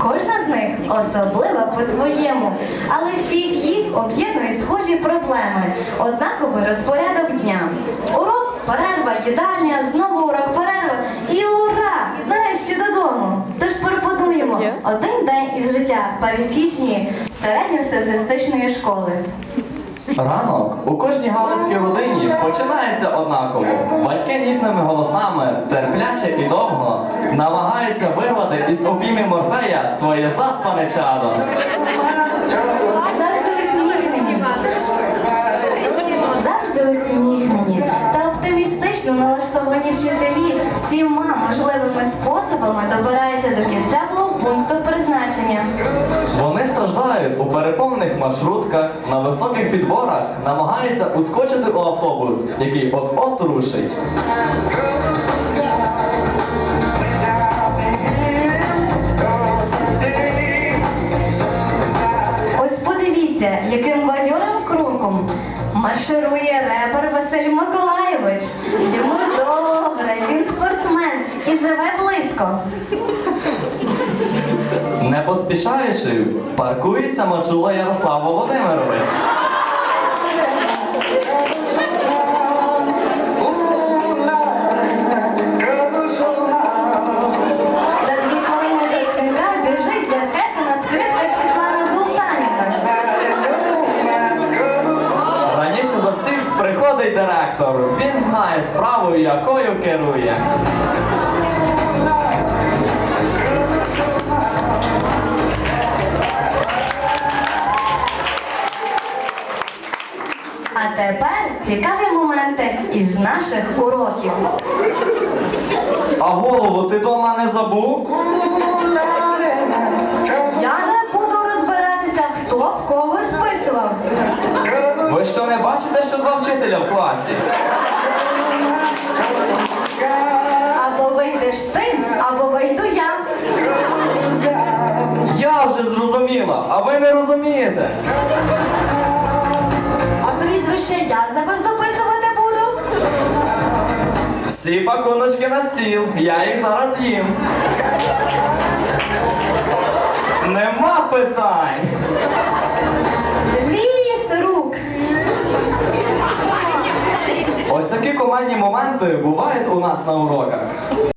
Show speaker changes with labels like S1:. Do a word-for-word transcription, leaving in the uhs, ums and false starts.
S1: Кожна з них особлива по-своєму, але всіх їх об'єднують схожі проблеми, однаковий розпорядок дня. Урок, перерва, їдальня, знову урок, перерва і ура! Нарешті додому! Тож пропонуємо один день із життя пересічної середньостатистичної школи.
S2: Ранок у кожній галицькій родині починається однаково. Батьки ніжними голосами, терпляче і довго, намагаються вирвати із обійми Морфея своє заспане чадо.
S1: Завжди усміхнені, завжди усміхнені та оптимістично налаштовані вчителі всіма можливими способами добираються до кінцевого пункту призначення.
S2: Вони страждають у переповнених маршрутках, на високих підборах, намагаються ускочити у автобус, який от-от рушить.
S1: Ось подивіться, яким бадьорим кроком марширує репер Василь Миколайович. Йому добре, він спортсмен і живе близько.
S2: Не поспішаючи, паркується Мачула Ярослав Володимирович.
S1: За дві хвилини до дзвінка біжить зеркетна скрипка Світлана Золтанівна.
S2: Раніше за всіх приходить директор. Він знає справу, якою керує.
S1: А тепер цікаві моменти із наших уроків.
S2: А голову ти дома не забув?
S1: Я не буду розбиратися, хто в кого списував.
S2: Ви що, не бачите, що два вчителя в класі?
S1: Або вийдеш ти, або вийду я.
S2: Я вже зрозуміла, а ви не розумієте.
S1: А прізвище я за вас дописувати буду.
S2: Всі пакуночки на стіл, я їх зараз їм. Нема питань.
S1: Ліс рук.
S2: Ось такі командні моменти бувають у нас на уроках.